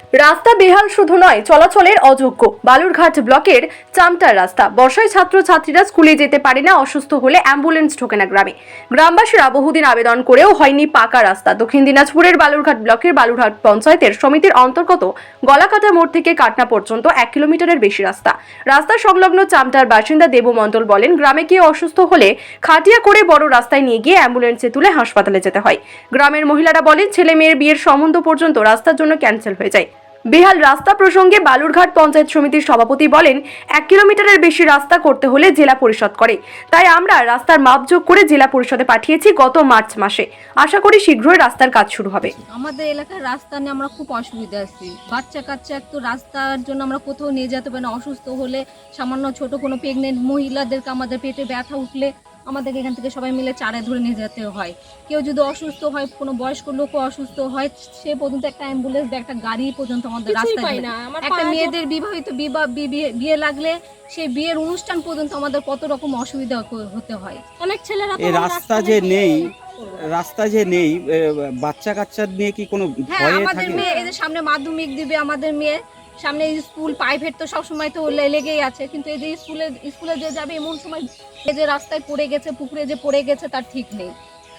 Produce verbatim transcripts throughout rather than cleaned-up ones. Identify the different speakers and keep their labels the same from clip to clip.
Speaker 1: রাস্তা বেহাল শুধু নয়, চলাচলের অযোগ্য। বালুরঘাট ব্লকের চামটার রাস্তা। বর্ষায় ছাত্রছাত্রীরা স্কুলে যেতে পারে না, অসুস্থ হলে অ্যাম্বুলেন্স ঢোকে না গ্রামে। গ্রামবাসীরা বহুদিন আবেদন করেও হয়নি পাকা রাস্তা। দক্ষিণ দিনাজপুরের বালুরঘাট ব্লকের বালুরঘাট পঞ্চায়েতের সমিতির অন্তর্গত গলাকাটা মোড় থেকে কাটনা পর্যন্ত এক কিলোমিটারের বেশি রাস্তা। রাস্তা সংলগ্ন চামটার বাসিন্দা দেবু মণ্ডল বলেন, গ্রামে কেউ অসুস্থ হলে খাটিয়া করে বড় রাস্তায় নিয়ে গিয়ে অ্যাম্বুলেন্সে তুলে হাসপাতালে যেতে হয়। গ্রামের মহিলারা বলেন, ছেলে মেয়ের বিয়ের সম্বন্ধ পর্যন্ত রাস্তার জন্য ক্যান্সেল হয়ে যায়। বেহাল রাস্তা প্রসঙ্গে বালুরঘাট পঞ্চায়েত সমিতির সভাপতি বলেন, এক কিলোমিটারের বেশি রাস্তা করতে হলে জেলা পরিষদ করে, তাই আমরা রাস্তার মাপজোক করে জেলা পরিষদে পাঠিয়েছি গত মার্চ মাসে। আশা করি শীঘ্রই রাস্তার কাজ শুরু হবে।
Speaker 2: আমাদের এলাকার রাস্তা নিয়ে আমরা খুব অসুবিধা আছি। বাচ্চা কাচ্চা একটু রাস্তার জন্য আমরা কোথাও নিয়ে যেতে পারি না। অসুস্থ হলে, সামান্য ছোট কোনো প্রেগনেন্ট মহিলাদেরকে আমাদের পেটে ব্যথা উঠলে আমাদেরকে এখান থেকে সবাই মিলে চারে ধরে নিয়ে যেতে হয়। কেউ যদি অসুস্থ হয়, কোনো বয়স্ক লোকও অসুস্থ হয়, সে পর্যন্ত একটা অ্যাম্বুলেন্স বা একটা গাড়ি পর্যন্ত আমাদের রাস্তায় না। একটা মেয়েদের বিবাহিত বিবাহ বিয়ে লাগলে সেই বিয়ের অনুষ্ঠান পর্যন্ত আমাদের কত রকম অসুবিধা হতে হয়। অনেক ছেলেরা
Speaker 3: এই রাস্তা যে নেই রাস্তা যে নেই বাচ্চা কাচ্চা নিয়ে কি কোনো
Speaker 2: হ্যাঁ,
Speaker 3: ভয়
Speaker 2: আমাদের
Speaker 3: থাকে?
Speaker 2: মেয়ে এই যে সামনে মাধ্যমিক দিবে, আমাদের মেয়ে সামনে স্কুল প্রাইভেট তো সব সময় তো লেগেই আছে, কিন্তু এই যে স্কুলে স্কুলে যে যাবে এমন সময় এই যে রাস্তায় পড়ে গেছে, পুকুরে যে পড়ে গেছে তার ঠিক নেই।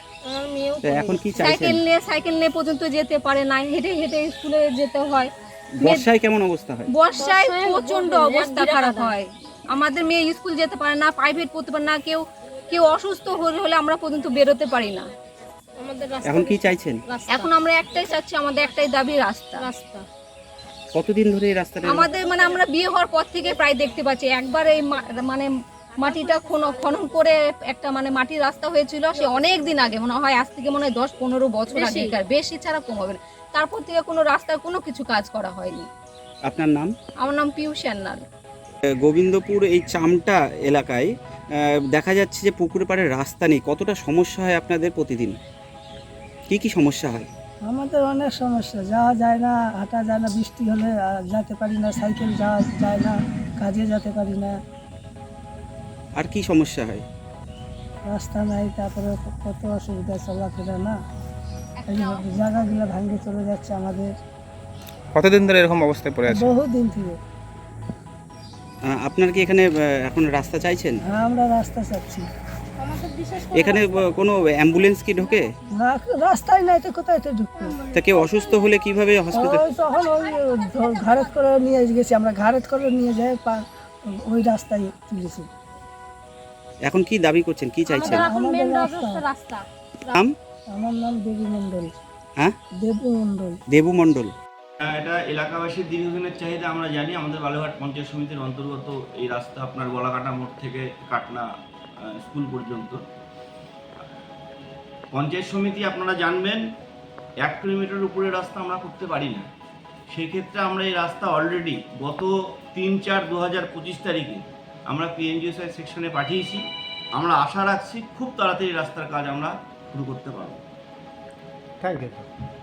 Speaker 3: এখন কি চাইছেন?
Speaker 2: সাইকেল নিয়ে সাইকেল নিয়ে পর্যন্ত যেতে পারে না, হেঁটে হেঁটে স্কুলে যেতে হয়।
Speaker 3: বর্ষায় কেমন অবস্থা হয়?
Speaker 2: বর্ষায় প্রচন্ড অবস্থা খারাপ হয়। আমাদের মেয়ে স্কুল যেতে পারে না, প্রাইভেট পড়তে পারে না, কেউ কেউ অসুস্থ হলে হলে আমরা পর্যন্ত বেরোতে পারি না।
Speaker 3: এখন কি চাইছেন?
Speaker 2: এখন আমরা একটাই চাচ্ছি, আমাদের একটাই দাবি, রাস্তা। রাস্তা
Speaker 3: কতদিন ধরে এই রাস্তাটা?
Speaker 2: আমাদের মানে আমরা বিয়ে হওয়ার পর থেকে প্রায় দেখতে পাচ্ছি, একবার এই মানে মাটিটা খনন করে একটা মানে মাটির রাস্তা হয়েছিল, সে অনেক দিন আগে, মনে হয় আজ থেকে মনে হয় দশ পনেরো বছর আগে, বেশি ছাড়া কম হবে না। তারপর থেকে কোনো রাস্তার কোনো কিছু কাজ করা হয়নি।
Speaker 3: আপনার নাম?
Speaker 2: আমার নাম পিউ সান্যাল।
Speaker 3: গোবিন্দপুর এই চামটা এলাকায় দেখা যাচ্ছে যে পুকুর পাড়ে রাস্তা নেই। কতটা সমস্যা হয় আপনাদের প্রতিদিন? কি কি সমস্যা হয়?
Speaker 4: আমাদের অনেক সমস্যা, যাওয়া যায় না, হাঁটা যায় না, বৃষ্টি হলে যেতে পারি না, সাইকেল যাওয়া যায় না, কাজে যেতে পারি না।
Speaker 3: আর কি সমস্যা হয়?
Speaker 4: রাস্তা নাই, তারপরে কত অসুবিধা চলাফেরা না, জায়গাগুলো ভাঙে চলে যাচ্ছে আমাদের।
Speaker 5: কতদিন ধরে এরকম অবস্থায় পড়ে আছে?
Speaker 4: বহুদিন থেকে।
Speaker 3: আপনার কি এখানে এখন রাস্তা চাইছেন?
Speaker 4: হ্যাঁ, আমরা রাস্তা চাচ্ছি।
Speaker 3: এখানে কোনো অ্যাম্বুলেন্স কি ঢোকে
Speaker 4: না? রাস্তায় নাই তো কোথায় তো ঢুকবে?
Speaker 3: তা কেউ অসুস্থ হলে কিভাবে হসপিটাল?
Speaker 4: তখন ওই ঘাড়ত করে নিয়ে গেছি আমরা, ঘাড়ত করে নিয়ে যাই ওই রাস্তায় তুলেছি।
Speaker 3: এখন কি দাবি করছেন, কি চাইছেন?
Speaker 4: আমাদের রাস্তা।
Speaker 3: নাম?
Speaker 4: আমার নাম দেবী মণ্ডল।
Speaker 3: হ্যাঁ,
Speaker 4: দেবু মণ্ডল।
Speaker 3: দেবু মণ্ডল।
Speaker 6: এটা এলাকাবাসীর দীর্ঘদিনের চাহিদা, আমরা জানি। আমাদের বালুরঘাট পঞ্চায়েত সমিতির অন্তর্গত এই রাস্তা আপনার গলাকাটা মোড় থেকে কাটনা স্কুল পর্যন্ত। পঞ্চায়েত সমিতি আপনারা জানবেন এক কিলোমিটার উপরে রাস্তা আমরা করতে পারি না। সেই ক্ষেত্রে আমরা এই রাস্তা অলরেডি গত তিন চার দু হাজার পঁচিশ তারিখে আমরা পিএনজিওসআই সেকশনে পাঠিয়েছি। আমরা আশা রাখছি খুব তাড়াতাড়ি রাস্তার কাজ আমরা শুরু করতে পারব।
Speaker 5: Thank you.